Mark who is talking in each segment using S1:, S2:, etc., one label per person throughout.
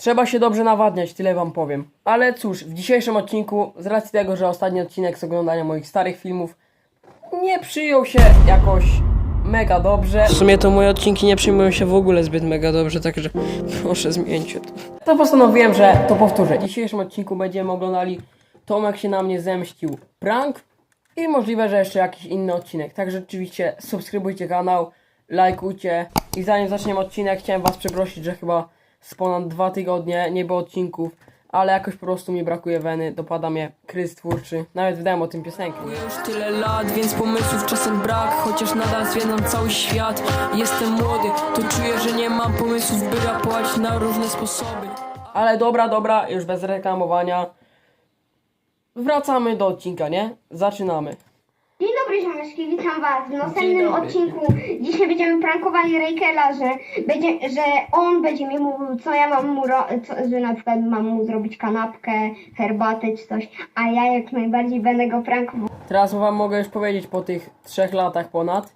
S1: Trzeba się dobrze nawadniać, tyle wam powiem. Ale cóż, w dzisiejszym odcinku, z racji tego, że ostatni odcinek z oglądania moich starych filmów nie przyjął się jakoś mega dobrze. W sumie to moje odcinki nie przyjmują się w ogóle zbyt mega dobrze, także proszę zmieńcie to. To postanowiłem, że to powtórzę. W dzisiejszym odcinku będziemy oglądali Tomek się na mnie zemścił prank i możliwe, że jeszcze jakiś inny odcinek. Także oczywiście subskrybujcie kanał, lajkujcie i zanim zaczniemy odcinek, chciałem was przeprosić, że chyba z ponad 2 tygodnie nie było odcinków, ale jakoś po prostu mi brakuje weny, dopada mnie kryzys twórczy, nawet wydałem o tym piosenkę. Już tyle lat, więc pomysłów czasem brak, chociaż nadal zwiedzam cały świat. Jestem młody, to czuję, że nie mam pomysłów, by rapować na różne sposoby. Ale dobra, już bez reklamowania. Wracamy do odcinka, nie? Zaczynamy.
S2: Dzień dobry, ziomeczki, witam was w
S1: Dzień
S2: następnym
S1: dobry.
S2: odcinku. Dzisiaj będziemy prankowali Rejkela, że on będzie mi mówił, co ja mam mu że na przykład mam mu zrobić kanapkę, herbatę czy coś, a ja jak najbardziej będę go prankował.
S1: Teraz wam mogę już powiedzieć po tych 3 latach ponad,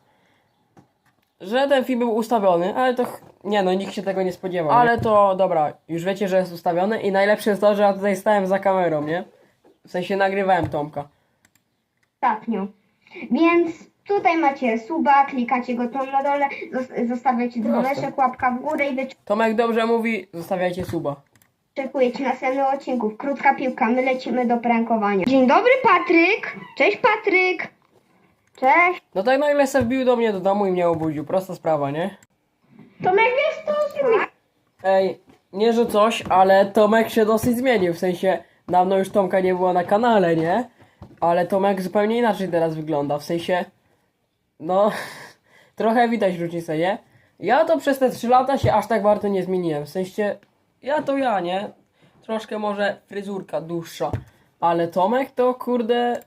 S1: że ten film był ustawiony, ale to nie no, nikt się tego nie spodziewał. Ale to dobra, już wiecie, że jest ustawiony i najlepsze jest to, że ja tutaj stałem za kamerą, nie? W sensie nagrywałem Tomka.
S2: Ostatnio. Więc tutaj macie suba, klikacie go tam na dole, zostawiacie dzwoneczek, łapka w górę i
S1: Tomek dobrze mówi, zostawiajcie suba.
S2: wyczekujecie następnych odcinków. Krótka piłka, my lecimy do prankowania. Dzień dobry, Patryk! Cześć, Patryk! Cześć!
S1: No tak nagle se wbił do mnie do domu i mnie obudził, prosta sprawa, nie?
S2: Tomek, wiesz to zrobić?
S1: Ej, nie że coś, ale Tomek się dosyć zmienił, w sensie dawno już Tomka nie było na kanale, nie? Ale Tomek zupełnie inaczej teraz wygląda, w sensie, no, trochę widać różnicę, nie? Ja to przez te 3 lata się aż tak bardzo nie zmieniłem, w sensie, ja, nie? Troszkę może fryzurka dłuższa, ale Tomek to kurde,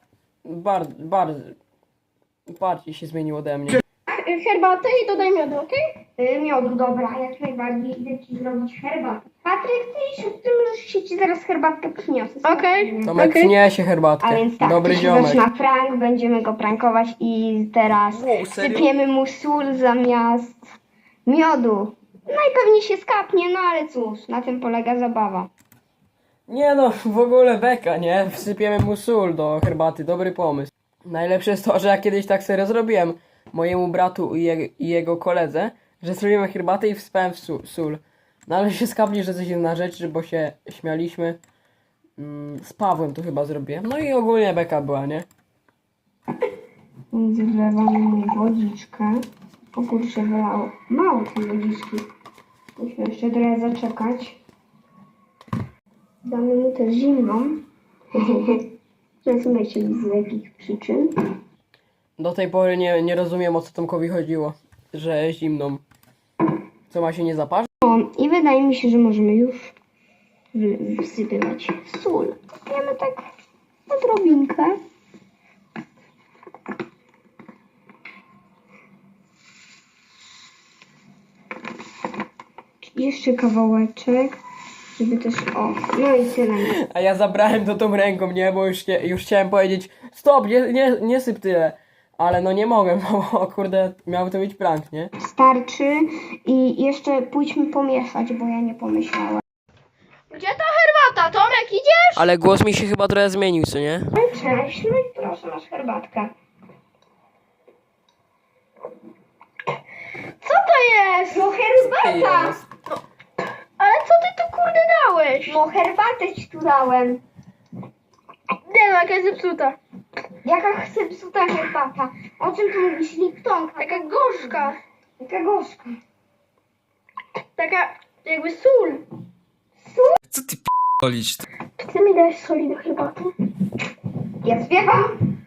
S1: bardziej się zmienił ode mnie.
S2: Herbatę i dodaj miodu, okej? Miodu, dobra, jak najbardziej idę ci zrobić herbatę. Patryk, ty już ci zaraz herbatkę przyniosę. Okej.
S1: Tomek przyniesie herbatkę,
S2: A więc tak,
S1: dobry
S2: to się
S1: ziomek.
S2: zaczyna prank, będziemy go prankować i teraz
S1: Wow, serio?
S2: sypiemy mu sól zamiast miodu. Najpewniej się skapnie, no ale cóż, na tym polega zabawa.
S1: Nie no, w ogóle beka, nie? Wsypiemy mu sól do herbaty, dobry pomysł. Najlepsze jest to, że ja kiedyś tak serio zrobiłem mojemu bratu i jego koledze, że zrobiłem herbatę i wsypałem sól. No ale się skapli, że coś jest na rzeczy, bo się śmialiśmy. Z Pawłem to chyba zrobiłem. No i ogólnie beka była, nie?
S2: Zlewamy mu wodziczkę. O kurczę, wylało mało tej wodziczki. Musimy jeszcze trochę zaczekać. Damy mu też zimną. Rozumiecie z jakich przyczyn.
S1: Do tej pory nie rozumiem, o co Tomkowi chodziło, że zimną. Co, ma się nie zaparzyć?
S2: O, i wydaje mi się, że możemy już wsypywać sól. Sypiemy tak odrobinkę. Jeszcze kawałeczek, żeby też, o, no i tyle.
S1: A ja zabrałem to tą ręką, nie? Bo już chciałem powiedzieć stop, nie syp tyle. Ale no nie mogłem, bo kurde, miał to być prank, nie?
S2: Starczy i jeszcze pójdźmy pomieszać, bo ja nie pomyślałem.
S3: Gdzie ta herbata? Tomek, idziesz?
S1: Ale głos mi się chyba trochę zmienił, co nie?
S2: Cześć, no i proszę, masz herbatkę.
S3: Co to jest?
S2: No herbata!
S1: Jest.
S3: Ale co ty tu kurde dałeś?
S2: No herbatę ci tu dałem.
S3: Nie no, jaka jest zepsuta.
S2: Jaka chce psuta herbata? O czym tu mówisz? Liptonka.
S3: Taka gorzka.
S2: Jaka gorzka.
S3: Taka jakby sól.
S4: Co ty p***olić?
S3: Czy ty mi dałeś soli do herbaty?
S2: Ja śpiewam.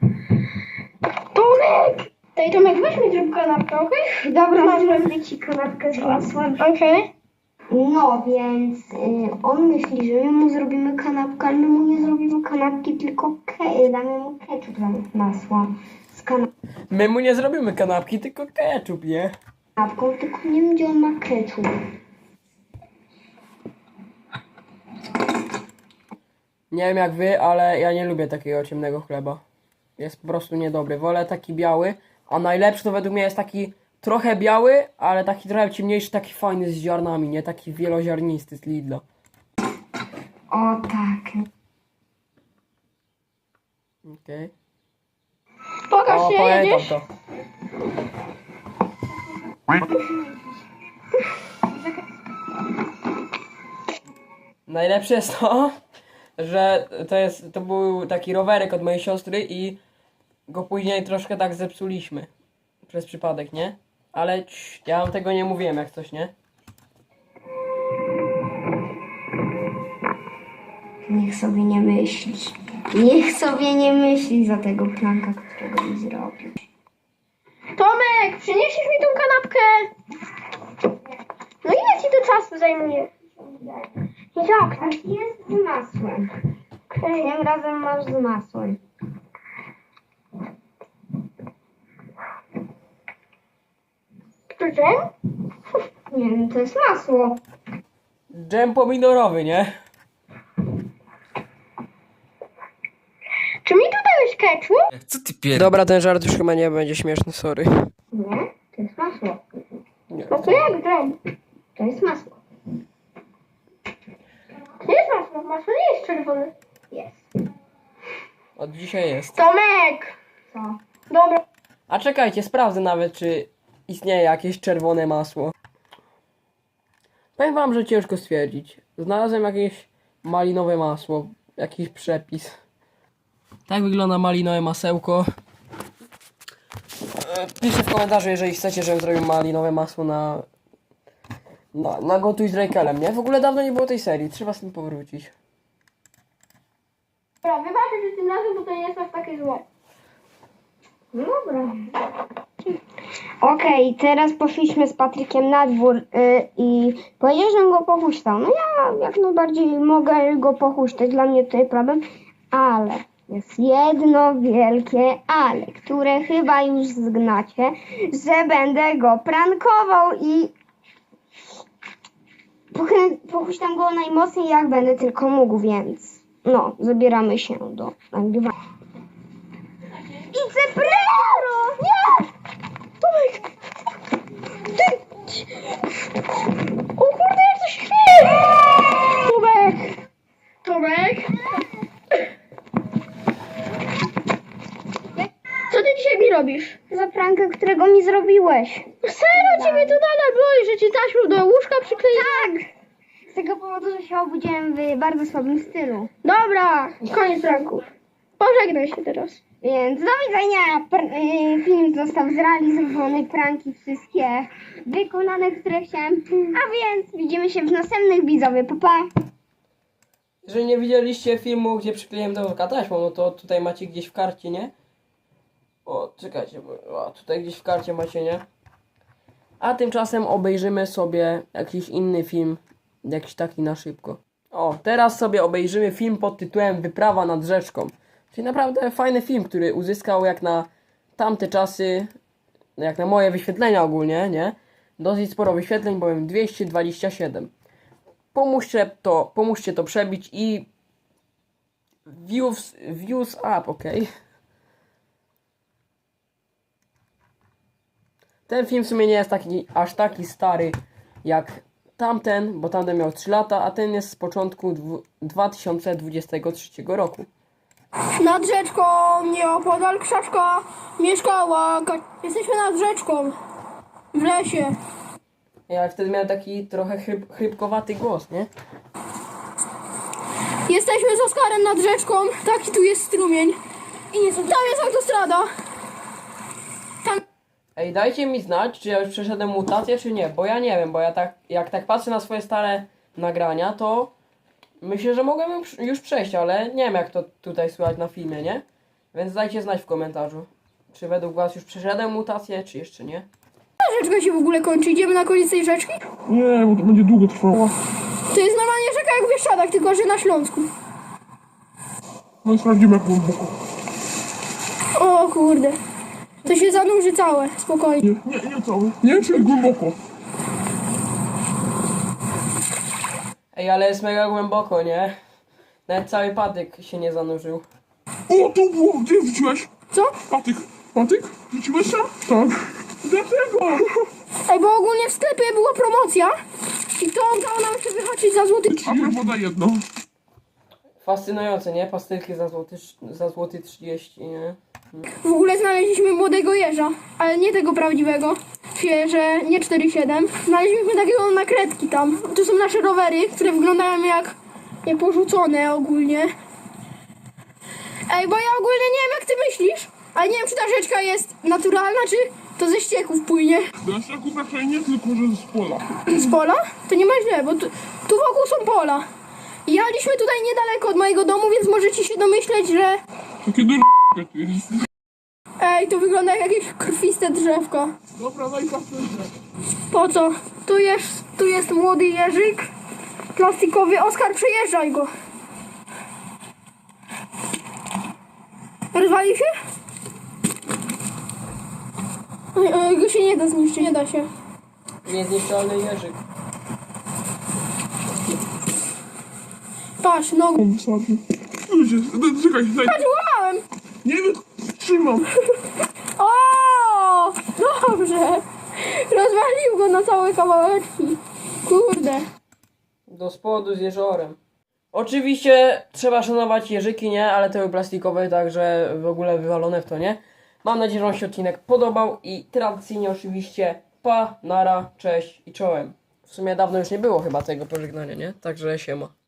S3: Tomek! Tej Tomek, weź mi zrób kanapkę, okej?
S2: Dobra, zrobię ci kanapkę z masłem.
S3: Okej.
S2: No więc on myśli, że my mu zrobimy kanapkę, ale my mu nie zrobimy kanapki, tylko damy mu ketchup zamiast masła. Z
S1: My mu nie zrobimy kanapki, tylko ketchup, nie?
S2: kanapką, tylko nie wiem, gdzie on ma ketchup.
S1: Nie wiem jak wy, ale ja nie lubię takiego ciemnego chleba. Jest po prostu niedobry. Wolę taki biały, a najlepszy to według mnie jest taki trochę biały, ale taki trochę ciemniejszy, taki fajny z ziarnami, nie? Taki wieloziarnisty z Lidla.
S2: O tak.
S1: Okej.
S3: Pokaż
S1: O,
S3: się,
S1: pamiętam
S3: jedziesz.
S1: to. Najlepsze jest to, że to był taki rowerek od mojej siostry i go później troszkę tak zepsuliśmy. Przez przypadek, nie? Ale ja wam tego nie mówiłem jak coś, nie?
S2: Niech sobie nie myśli. Niech sobie nie myśli za tego pranka, którego mi zrobił.
S3: Tomek, przyniesiesz mi tą kanapkę? No ile ci to czasu zajmuje? Jak?
S2: Jest z masłem.
S3: Okej.
S2: Tym razem masz z masłem.
S3: To dżem?
S2: Nie wiem, to jest masło.
S1: Dżem pomidorowy, nie?
S3: Czy mi tu dałeś ketchup?
S4: Co ty pier...
S1: Dobra, ten żart już chyba nie będzie śmieszny, sorry.
S2: Nie, to jest masło.
S1: Nie.
S3: No to jak dżem?
S2: To jest masło.
S3: To nie jest masło, masło nie jest czerwone.
S2: Jest.
S1: Od dzisiaj jest.
S3: Tomek!
S2: Co?
S3: Dobra.
S1: A czekajcie, sprawdzę nawet, czy istnieje jakieś czerwone masło. Powiem wam, że ciężko stwierdzić. Znalazłem jakieś malinowe masło, jakiś przepis. Tak wygląda malinowe masełko. Piszcie w komentarzu, jeżeli chcecie, żebym zrobił malinowe masło na gotuj z Rejkelem, nie? W ogóle dawno nie było tej serii, trzeba z tym powrócić.
S3: Dobra, wybaczę, że tym razem, bo to nie jest aż takie złe.
S2: No dobra. Okej, teraz poszliśmy z Patrykiem na dwór i powiedział, że go pochuśtał. No ja jak najbardziej mogę go pochuśtać, dla mnie to jest problem, ale jest jedno wielkie ale, które chyba już zgnacie, że będę go prankował i pochuśtam go najmocniej jak będę tylko mógł, więc no, zabieramy się do nagrywania. Idź prero! Nie!
S3: Tomek! Ty! O kurde, jak to się chwieje! Tomek! Tomek! Co ty dzisiaj mi robisz?
S2: Za prankę, którego mi zrobiłeś.
S3: Serio, ciebie to nadal boli, że ci taśmą do łóżka przykleiłem?
S2: Tak! Z tego powodu, że się obudziłem w bardzo słabym stylu.
S3: Dobra, koniec pranków. Pożegnaj się teraz.
S2: Więc do widzenia. Film został zrealizowany, pranki wszystkie wykonane, które chciałem. A więc widzimy się w następnych, widzowie. Pa, pa!
S1: Jeżeli nie widzieliście filmu, gdzie przykleiłem do taśmą, no to tutaj macie gdzieś w karcie, nie? O, czekajcie, bo tutaj gdzieś w karcie macie, nie? A tymczasem obejrzymy sobie jakiś inny film, jakiś taki na szybko. O, teraz sobie obejrzymy film pod tytułem Wyprawa nad rzeczką. Czyli naprawdę fajny film, który uzyskał jak na tamte czasy, jak na moje wyświetlenia ogólnie, nie? Dosyć sporo wyświetleń, bowiem 227. Pomóżcie to przebić i views up, ok? Ten film w sumie nie jest aż taki stary jak tamten, bo tamten miał 3 lata, a ten jest z początku 2023 roku.
S3: Nad rzeczką, nieopodal krzaczka, mieszkała. Jesteśmy nad rzeczką. W lesie.
S1: Ja wtedy miałem taki trochę chrypkowaty głos, nie?
S3: Jesteśmy z Oskarem nad rzeczką. Taki tu jest strumień. I nie są... Tam jest autostrada. Tam...
S1: Ej, dajcie mi znać, czy ja już przeszedłem mutację, czy nie, bo ja nie wiem, bo ja tak, jak tak patrzę na swoje stare nagrania, to myślę, że mogłem już przejść, ale nie wiem jak to tutaj słychać na filmie, nie? Więc dajcie znać w komentarzu, czy według was już przeszedłem mutację, czy jeszcze nie.
S3: Ta rzeczka się w ogóle kończy. Idziemy na koniec tej rzeczki?
S5: Nie, bo to będzie długo trwało.
S3: To jest normalnie rzeka jak w Bieszczadach, tylko że na Śląsku.
S5: No i sprawdzimy jak głęboko.
S3: O kurde. To się zanurzy całe. Spokojnie.
S5: Nie cały. Nie, czyli głęboko.
S1: Ej, ale jest mega głęboko, nie? Nawet cały patyk się nie zanurzył.
S5: O, tu było, gdzie wrzuciłeś?
S3: Co?
S5: Patyk. Patyk? Wrzuciłeś tam? Tak. Dlaczego?
S3: Ej, bo ogólnie w sklepie była promocja. I to udało nam się wyhaczyć za złoty.
S5: A woda jedno.
S1: Fascynujące, nie? Pastylki za złoty 30, nie?
S3: W ogóle znaleźliśmy młodego jeża, ale nie tego prawdziwego. Świeże, nie 4,7. Znaleźliśmy takiego na kredki tam. To są nasze rowery, które wyglądają jak porzucone ogólnie. Ej, bo ja ogólnie nie wiem jak ty myślisz, ale nie wiem czy ta rzeczka jest naturalna, czy to ze ścieków płynie.
S5: Do ścieków raczej nie, tylko że z pola.
S3: Z pola? To nie ma źle, bo tu wokół są pola. I jechaliśmy tutaj niedaleko od mojego domu, więc możecie się domyśleć, że...
S5: Takie do tu jest.
S3: Ej, to wygląda jak jakieś krwiste drzewko.
S5: Dobra, daj pastylkę.
S3: Po co? Tu jest młody jeżyk. Plastikowy. Oskar, przejeżdżaj go. Rozwali się? Oj, go się nie da zniszczyć, nie da się.
S1: Niezniszczalny jeżyk.
S3: Patrz, nogą.
S5: Wsadzi. Ludzie, czekaj, daj.
S3: Patrz, łamałem!
S5: Nie wytrzymam.
S3: O! Dobrze! Rozwalił go na całe kawałeczki. Kurde.
S1: Do spodu z jeżorem. Oczywiście trzeba szanować jeżyki, nie? Ale te były plastikowe, także w ogóle wywalone w to, nie? Mam nadzieję, że wam się odcinek podobał i tradycyjnie oczywiście pa, nara, cześć i czołem. W sumie dawno już nie było chyba tego pożegnania, nie? Także siema.